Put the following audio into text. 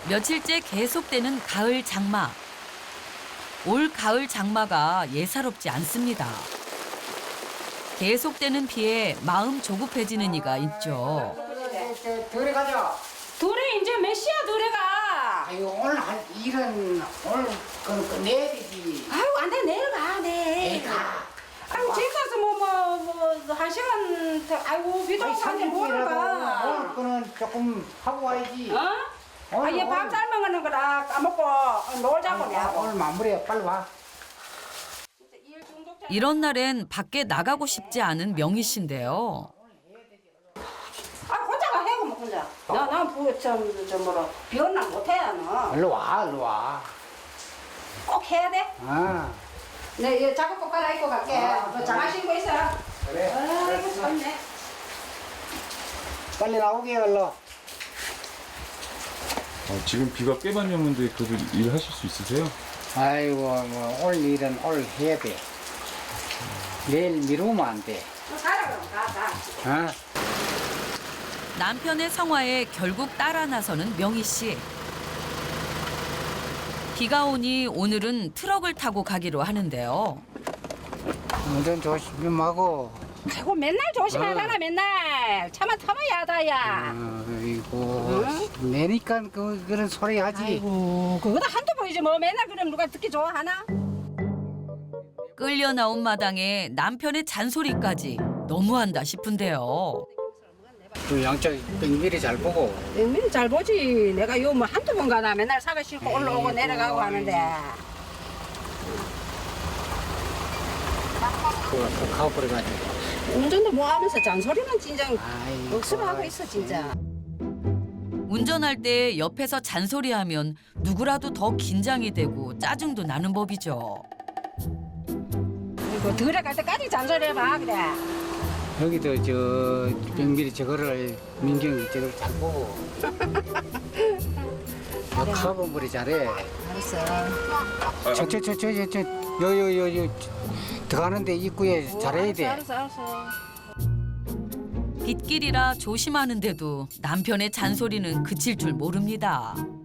며칠째 계속되는 가을 장마. 올 가을 장마가 예사롭지 않습니다. 계속되는 비에 마음 조급해지는 이가 있죠. 들에 가자. 둘이 이제 몇 시야 둘이가? 아유 오늘 한 일은 오늘 그 내일이지. 아유 안돼 내려가 내. 내가. 아유 집 가서 뭐 한 시간 더 아이고 비도 오고 한데 뭐를 가? 오늘 거는 조금 하고 와야지. 어? 아얘 밥 삶아가는 거라 까먹고 놀자고 내가. 오늘 마무리해 빨리 와. 이런 날엔 밖에 나가고 싶지 않은 명희 씨인데요. 아 혼자가 해 그럼 혼자. 나난저 뭐라 비언나 못해 너. 일로 와 일로 와. 꼭 해야 돼? 아 내 작업 꼭 갈아입고 갈게. 너 장화 신고 있어. 그래. 아이고 참네. 빨리 나오게 얼른. 지금 비가 꽤 많이 오는데 그래도 일하실 수 있으세요? 아이고 뭐 오늘 일은 오늘 해야 돼. 내일 미루면 안 돼. 가라 그럼 가. 어? 남편의 성화에 결국 따라 나서는 명희 씨. 비가 오니 오늘은 트럭을 타고 가기로 하는데요. 운전 조심하고. 아이고 맨날 조심하잖아 맨날. 차만 타면 야다야. 아이고 내니까 그런 소리 하지. 아이고 그거도 한두 번이지 뭐 맨날 그럼 누가 듣기 좋아하나? 끌려 나온 마당에 남편의 잔소리까지 너무한다 싶은데요. 그 양쪽 빙비리 잘 보고. 민잘 보지. 내가 요 뭐 한두 번 가다 맨날 사과 싣고 올라오고 내려가고 하는데. 그거 가버려가지고. 운전도 뭐 하면서 잔소리는 진짜 아이고. 억수로 하고 있어 진짜. 운전할 때 옆에서 잔소리하면 누구라도 더 긴장이 되고 짜증도 나는 법이죠. 이거 들어갈 때까지 잔소리 해봐 그래. 여기도 저 빙비리 저거를 민경이 저걸 잘 보고. 카본물이 잘해. 알았어. 저요요요요 들어가는데 입구에 잘해야 돼. 알았어. 빗길이라 조심하는데도 남편의 잔소리는 그칠 줄 모릅니다.